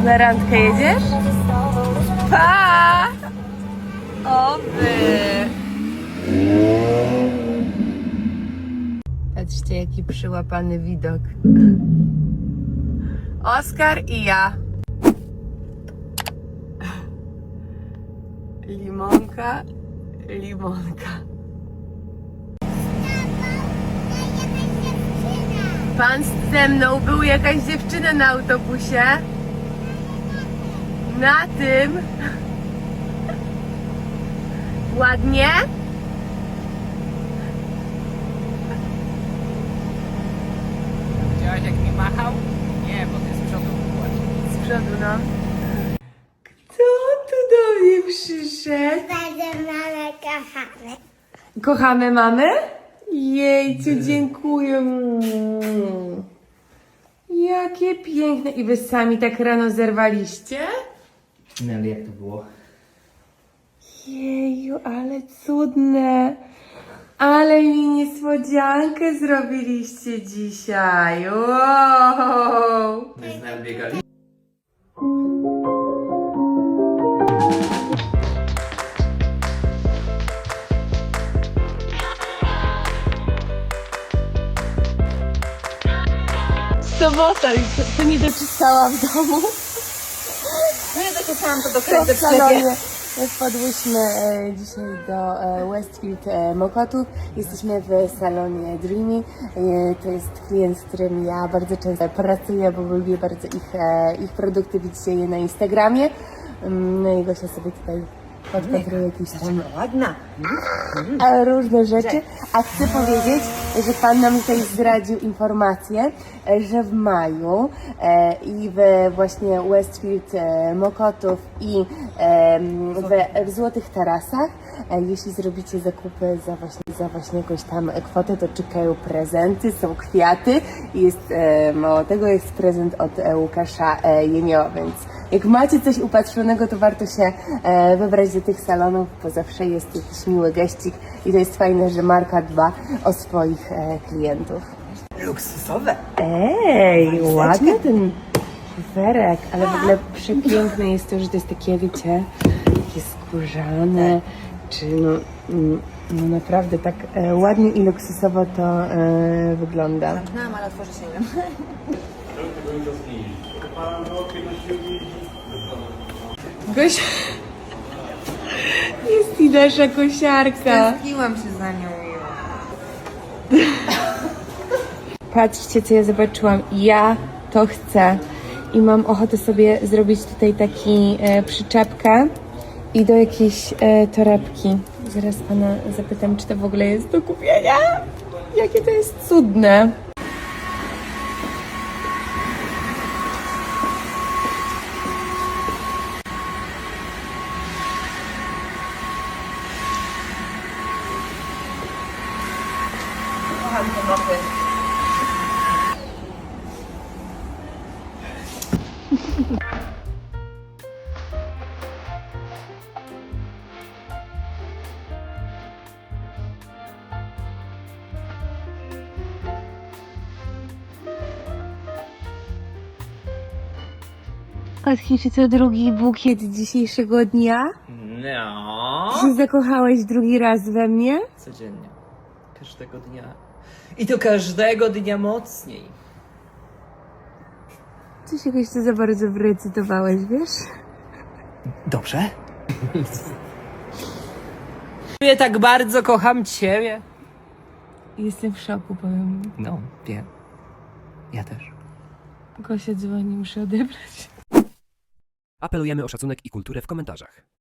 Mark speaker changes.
Speaker 1: Na randkę jedziesz? Pa! Oby! Patrzcie, jaki przyłapany widok. Oskar i ja. Limonka, limonka. Pan ze mną, był jakaś dziewczyna na autobusie. Na tym. Ładnie?
Speaker 2: Widziałaś jak mi machał? Nie, bo ty z przodu byłaś.
Speaker 1: Z przodu, no. Kto tu do mnie przyszedł?
Speaker 3: Bardzo mamy kochamy.
Speaker 1: Kochamy mamy? Jejciu, dziękuję. Jakie piękne. I wy sami tak rano zerwaliście?
Speaker 2: No ale jak to było?
Speaker 1: Jeju, ale cudne. Ale mi niespodziankę zrobiliście dzisiaj. Wow.
Speaker 2: My z nami biegali?
Speaker 1: Sobota, to nie doczyszczałam w domu.
Speaker 3: No ja takie sam to
Speaker 1: W
Speaker 3: dokręcę w sklepie.
Speaker 1: salonie. Wpadłyśmy dzisiaj do Westfield Mokotów. Jesteśmy w salonie Dreamy. To jest klient, z którym ja bardzo często pracuję, bo lubię bardzo ich produkty. Widzicie je na Instagramie. No i Gosia sobie tutaj podpatruje jakieś tam
Speaker 3: Ładna.
Speaker 1: różne rzeczy. A chcę powiedzieć, że Pan nam tutaj zdradził informację, że w maju i w właśnie Westfield Mokotów i w Złotych Tarasach, jeśli zrobicie zakupy za właśnie jakąś tam kwotę, to czekają prezenty, są kwiaty i jest, mało tego, jest prezent od Łukasza Jemioła, więc jak macie coś upatrzonego, to warto się wybrać do tych salonów, bo zawsze jest jakiś miły geścik i to jest fajne, że marka dba o swoich klientów.
Speaker 3: Luksusowe.
Speaker 1: Ej, ładny ten kuferek, ale w ogóle przepiękne jest to, że to jest takie, wiecie, takie skórzane, czy no naprawdę tak ładnie i luksusowo to wygląda.
Speaker 3: Zamknęłam, ale otworzę się nie wiem.
Speaker 1: Gosia, jest i nasza kosiarka.
Speaker 3: Tęskniłam się za nią.
Speaker 1: Patrzcie, co ja zobaczyłam. Ja to chcę. I mam ochotę sobie zrobić tutaj taki przyczepkę i do jakiejś torebki. Zaraz Pana zapytam, czy to w ogóle jest do kupienia. Jakie to jest cudne.
Speaker 3: Kocham te mopy.
Speaker 1: Patrzcie, to drugi bukiet dzisiejszego dnia.
Speaker 2: No.
Speaker 1: Ty się zakochałeś drugi raz we mnie?
Speaker 2: Codziennie. Każdego dnia. I to każdego dnia mocniej.
Speaker 1: Coś jakoś to za bardzo wyrecytowałeś, wiesz?
Speaker 2: Dobrze? Ja tak bardzo kocham ciebie.
Speaker 1: Jestem w szoku, powiem.
Speaker 2: No, wiem. Ja też.
Speaker 1: Gosia dzwoni, muszę odebrać.
Speaker 4: Apelujemy o szacunek i kulturę w komentarzach.